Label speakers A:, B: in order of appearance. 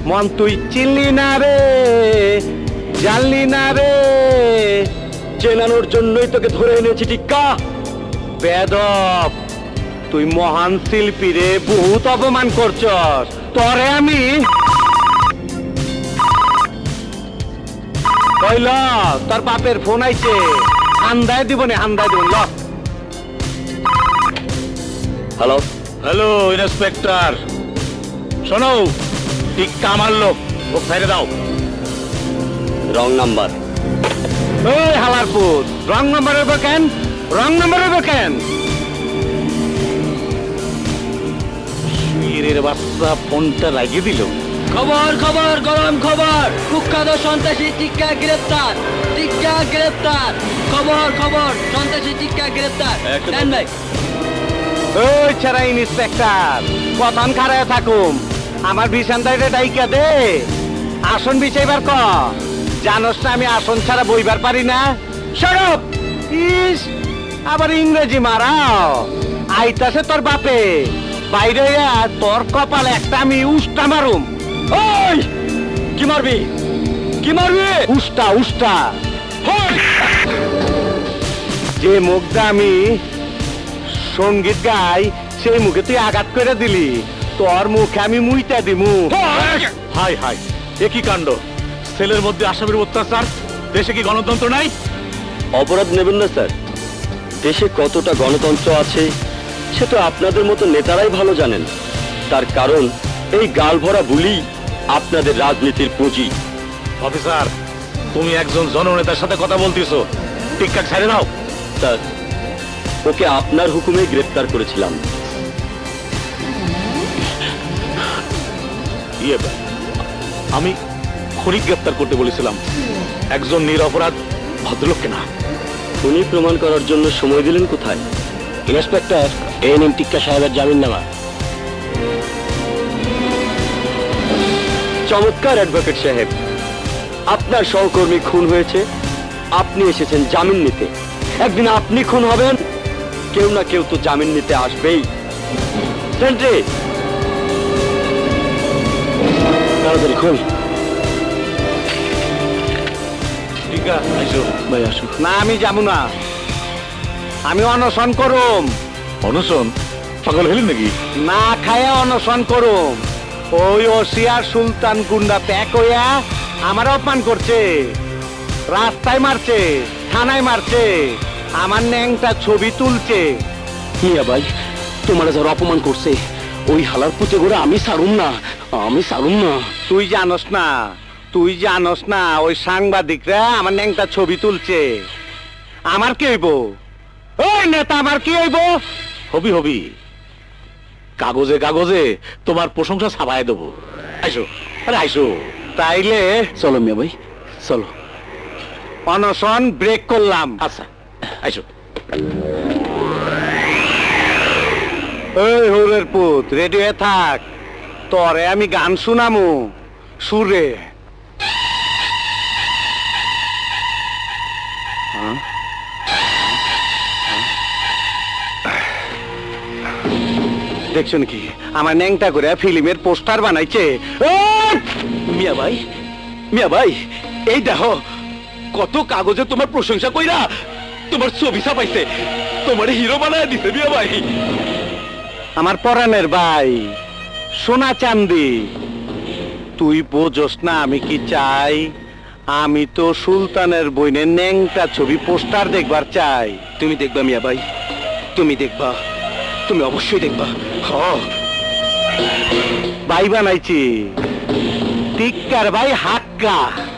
A: মন তুই চিনলি না রে, জানলি না রে, চেনানোর জন্যই তোকে ধরে এনেছি টিক্কা। বেদব, তুই মহান শিল্পী রে, বহুত অপমান করছস। তরে আমি কইল তোর বাপের ফোন আইছে, হান্দায় দিব নে, হান্দায় দিব।
B: হ্যালো
C: হ্যালো ইন্সপেক্টর, শোনো, টিক্কা আমার লোক, ও ছেড়ে দাও।
B: Wrong number.
A: এই হালারপুর, রং নাম্বার হইব কেন? রং নাম্বার হইব কেন?
C: শুয়ের বাচ্চা ফোনটা লাগিয়ে দিল।
D: খবর খবর, গরম খবর, কুখ্যাত সন্ত্রাসী টিক্কা গ্রেপ্তার, টিক্কা গ্রেপ্তার। খবর খবর, সন্ত্রাসী টিক্কা গ্রেপ্তার। দেন ভাই।
A: ওই ছাড়া ইন্সপেক্টর, কতন খারায় থাকুম, আমার বিছানটা ডাইকা দে, আসন বিছাইবার ক। জানোস না আমি আসন ছাড়া বইবার পারি না। সরব ইস, আবার ইংরেজি মারাও। আইতাছে তোর বাপে, বাইরে তোর কপাল একটা আমি উষ্টা মারুম।
B: ওই কি মারবি, কি মারবি?
A: উষ্টা উষ্টা। যে মুখটা আমি সঙ্গীত গাই, সেই মুখে তুই আঘাত করে দিলি, তোর মুখে আমি মুইটা দিমু।
C: হাই হাই, একই কাণ্ড, সেলের মধ্যে আসামির অত্যাচার, দেশে কি গণতন্ত্র নাই?
B: অপরাধ নেবেন না স্যার, দেশে কতটা গণতন্ত্র আছে সে তো আপনাদের মতো নেতারাই ভালো জানেন। তার কারণ এই গাল ভরা বুলি আপনাদের রাজনীতির পুঁজি।
C: অফিসার, তুমি একজন জননেতার সাথে কথা বলতেছো, টিক্কা ছেড়ে দাও।
B: স্যার, ওকে আপনার হুকুমে গ্রেফতার করেছিলাম।
C: আমি খুনি গ্রেফতার করতে বলেছিলাম, একজন নিরপরাধ ভদ্রলোককে না।
B: খুনি প্রমাণ করার জন্য সময় দিলেন কোথায়?
A: ইন্সপেক্টর, এই নিন টিক্কা সাহেবের জামিননামা।
B: চমৎকার অ্যাডভোকেট সাহেব, আপনার সহকর্মী খুন হয়েছে, আপনি এসেছেন জামিন নিতে। একদিন আপনি খুন হবেন, কেউ না কেউ তো জামিন নিতে আসবেই। সেন্ট্রি,
A: তাড়াতাড়ি খুন।
C: টিক্কা আইসো।
A: ভাই আসো। না, আমি যাবো না, আমি অনশন করুম।
C: অনশন? পাগল হলেন নাকি?
A: না খায়া অনশন করুম। ওই ওসিয়ার সুলতান গুন্ডা প্যাক হইয়া আমার অপমান করছে, রাস্তায় মারছে, থানায় মারছে, আমার ন্যাংটা ছবি তুলছে।
B: মিয়া ভাই, তোমার যারা অপমান করছে, ওই হালার পুঁতে করে আমি ছাড়ুম না, আমি ছাড়ুম না।
A: তুই জানোস না, তুই জানোস না, ওই সাংবাদিকরা আমার ন্যাংটা ছবি তুলছে। আমার কি হইব? ওই নেতা আমার কি হইব?
C: হবি হবি, কাগজে কাগজে তোমার প্রশংসা ছাপায় দেবো। আইসো, আরে আইসো।
A: তাইলে
B: চলো মিয়া ভাই, চলো।
A: অনশন ব্রেক করলাম।
C: আচ্ছা, আইসো।
A: ওই হরের পুত, রেডি হয়ে থাক, তরে আমি গান শুনামু সুরে। দেখছো নাকি আমার ন্যাংটা করে ফিল্মের পোস্টার বানাইছে।
B: মিয়া ভাই, মিয়া ভাই, এই দেখো কত কাগজে তোমার প্রশংসা কইরা তোমার ছবি ছাপাইছে, তোমার হিরো বানায় দিছে মিয়া ভাই।
A: আমার পরাণের ভাই, সোনা চান্দি, তুই বোঝস না আমি কি চাই? আমি তো সুলতানের বইনের ন্যাংটা ছবি পোস্টার দেখবার চাই।
B: তুমি দেখবা মিয়া ভাই, তুমি দেখবা, তুমি অবশ্যই দেখবা।
A: ভাই বানাইছি টিক্কার ভাই হাক্কা।